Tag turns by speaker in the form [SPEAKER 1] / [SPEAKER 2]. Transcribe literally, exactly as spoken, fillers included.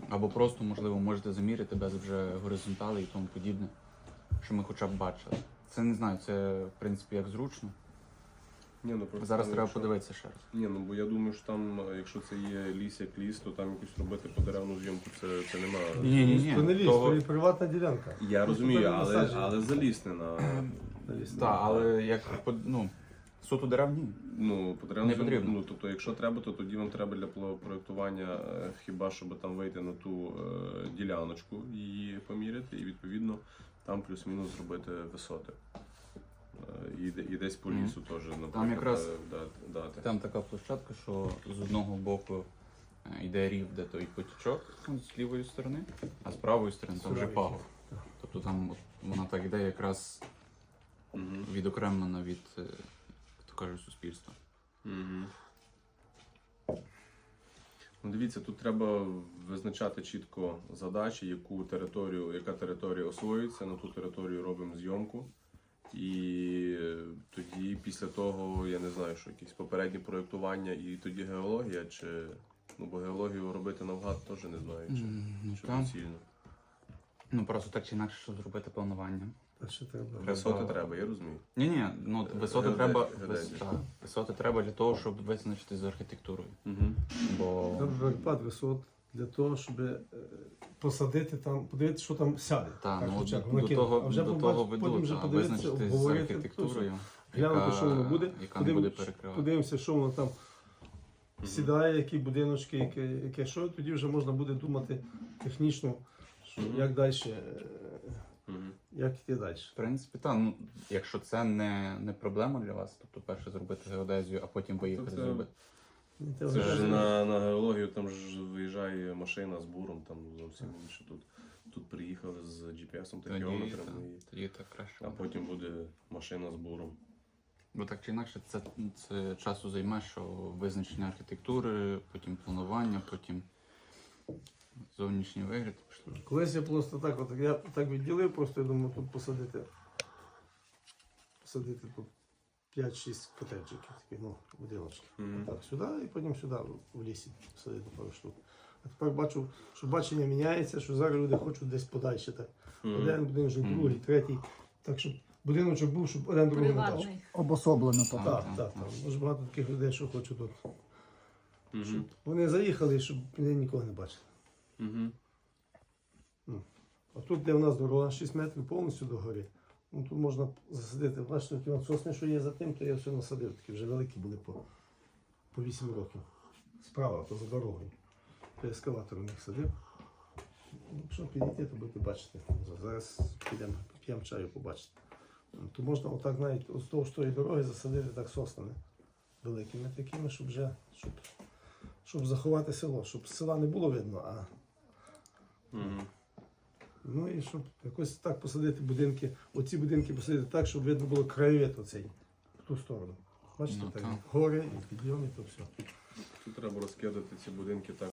[SPEAKER 1] Або просто, можливо, можете заміряти без вже горизонтали і тому подібне, що ми хоча б бачили. Це не знаю, це в принципі як зручно.
[SPEAKER 2] Ні, ну, просто
[SPEAKER 1] Зараз
[SPEAKER 2] там,
[SPEAKER 1] треба
[SPEAKER 2] якщо...
[SPEAKER 1] подивитися ще раз.
[SPEAKER 2] Ні, ну бо я думаю, що там, якщо це є ліс як ліс, то там якусь робити подеревну зйомку, це, це немає.
[SPEAKER 1] Ні, ні, ні.
[SPEAKER 3] То не ліс,
[SPEAKER 1] Того-
[SPEAKER 3] то і приватна ділянка.
[SPEAKER 2] Я
[SPEAKER 3] Ну,
[SPEAKER 2] розумію,
[SPEAKER 3] то там
[SPEAKER 2] але,
[SPEAKER 3] насадження.
[SPEAKER 2] але залізти на...
[SPEAKER 1] Так, але як ну, суто дерев ні.
[SPEAKER 2] Ну, подеревну
[SPEAKER 1] Не
[SPEAKER 2] зйомку,
[SPEAKER 1] потрібно.
[SPEAKER 2] ну, тобто, якщо треба, то тоді вам треба для пло- проєктування е, хіба щоб там вийти на ту е, діляночку, її поміряти, і відповідно там плюс-мінус зробити висоти. Е, і, де- і десь по
[SPEAKER 1] Мгм.
[SPEAKER 2] лісу теж, наприклад,
[SPEAKER 1] якраз
[SPEAKER 2] е, да- дати.
[SPEAKER 1] Там така площадка, що з одного боку е, йде рів, де той потічок ну, з лівої сторони, а з правої сторони там вже
[SPEAKER 3] Правої.
[SPEAKER 1] пагорб. Тобто там от вона так йде якраз
[SPEAKER 2] Мгм.
[SPEAKER 1] відокремлена від, е, як то кажуть, суспільства.
[SPEAKER 2] Мгм. Ну, дивіться, тут треба визначати чітко задачі, яку територію, яка територія освоюється, на ту територію робимо зйомку. І тоді після того, я не знаю, що якісь попередні проєктування і тоді геологія, чи ну бо геологію робити навгад теж не знаю, чи,
[SPEAKER 1] Ну,
[SPEAKER 2] чи
[SPEAKER 1] там,
[SPEAKER 2] доцільно.
[SPEAKER 1] ну просто так чи інакше, щоб зробити планування.
[SPEAKER 3] А що треба?
[SPEAKER 2] Висоти треба, я розумію.
[SPEAKER 1] Ні, ні, ну висоти
[SPEAKER 2] Геоде-
[SPEAKER 1] треба
[SPEAKER 2] геодезія.
[SPEAKER 1] вис- так, висоти треба для того, щоб визначити з архітектурою.
[SPEAKER 2] Угу.
[SPEAKER 1] Бо
[SPEAKER 3] Треба перепад висот для того, щоб е, посадити там, подивитися, що там сяде.
[SPEAKER 1] та, ну,
[SPEAKER 3] хоча б
[SPEAKER 1] до,
[SPEAKER 3] накинути.
[SPEAKER 1] до того,
[SPEAKER 3] А вже
[SPEAKER 1] до
[SPEAKER 3] побач-
[SPEAKER 1] того
[SPEAKER 3] потім
[SPEAKER 1] ведуть,
[SPEAKER 3] вже
[SPEAKER 1] а
[SPEAKER 3] подивитися,
[SPEAKER 1] визначити з
[SPEAKER 3] обговорити,
[SPEAKER 1] архітектурою,
[SPEAKER 3] глянути, що воно буде,
[SPEAKER 1] яка не буде
[SPEAKER 3] подивимось-
[SPEAKER 1] перекривати.
[SPEAKER 3] подивимося, що воно там сідає, які будиночки, яке, яке що, тоді вже можна буде думати технічно, що,
[SPEAKER 2] Мгм.
[SPEAKER 3] як далі,
[SPEAKER 2] Угу.
[SPEAKER 3] як йти далі.
[SPEAKER 1] В принципі, так, ну, якщо це не, не проблема для вас, тобто перше зробити геодезію, а потім поїхати
[SPEAKER 2] це-
[SPEAKER 1] зробити.
[SPEAKER 3] Це
[SPEAKER 2] Це
[SPEAKER 3] вже
[SPEAKER 2] ж на, на геологію там ж виїжджає машина з буром, там зовсім інше. Тут, тут приїхали з джі пі есом та
[SPEAKER 1] Тоді,
[SPEAKER 2] кілометрами,
[SPEAKER 1] так,
[SPEAKER 2] і-
[SPEAKER 1] тоді так краще.
[SPEAKER 2] а потім буде машина з буром.
[SPEAKER 1] Бо так чи інакше це, це часу займе, що визначення архітектури, потім планування, потім зовнішній вигляд. пішло.
[SPEAKER 3] Колись я просто так, от, я так відділив, просто я думаю, тут посадити, посадити тут п'ять-шість котеджиків, таких, ну, будиночків.
[SPEAKER 2] Мгм.
[SPEAKER 3] Так, сюди і потім сюди, в лісі, посадити пару штук. А тепер бачу, що бачення міняється, що зараз люди хочуть десь подальше. Так.
[SPEAKER 2] Мгм.
[SPEAKER 3] Один будиночок,
[SPEAKER 1] Мгм.
[SPEAKER 3] другий, третій. Так, щоб будиночок був, щоб один другий не бачив.
[SPEAKER 4] Приватний.
[SPEAKER 5] Обособлено то.
[SPEAKER 1] Так,
[SPEAKER 3] Так,
[SPEAKER 1] так,
[SPEAKER 3] так, так. Дуже багато таких людей, що хочуть тут.
[SPEAKER 2] Мгм.
[SPEAKER 3] Вони заїхали, щоб вони нікого не бачили.
[SPEAKER 2] Мгм.
[SPEAKER 3] А тут, де в нас дорога, шість метрів повністю до гори. Ну, тут можна засадити. Бачите, ті от сосни, що є за тим, то я все насадив. Такі вже великі були по, по вісім років. Справа, то за дорогою. То ескалатор у них садив. Ну, якщо підійти, то будете бачити. Зараз підемо, п'ємо чаю, побачите. То можна отак навіть вздовж тої дороги засадити так соснами великими такими, щоб вже щоб, щоб заховати село, щоб з села не було видно, а
[SPEAKER 2] Мгм.
[SPEAKER 3] ну і щоб якось так посадити будинки, оці будинки посадити так, щоб видно було краєвид оцей, в ту сторону. Бачите,
[SPEAKER 1] Ну,
[SPEAKER 3] так,
[SPEAKER 1] так.
[SPEAKER 3] гори і підйоми, то все.
[SPEAKER 2] Тут треба розкидати ці будинки так,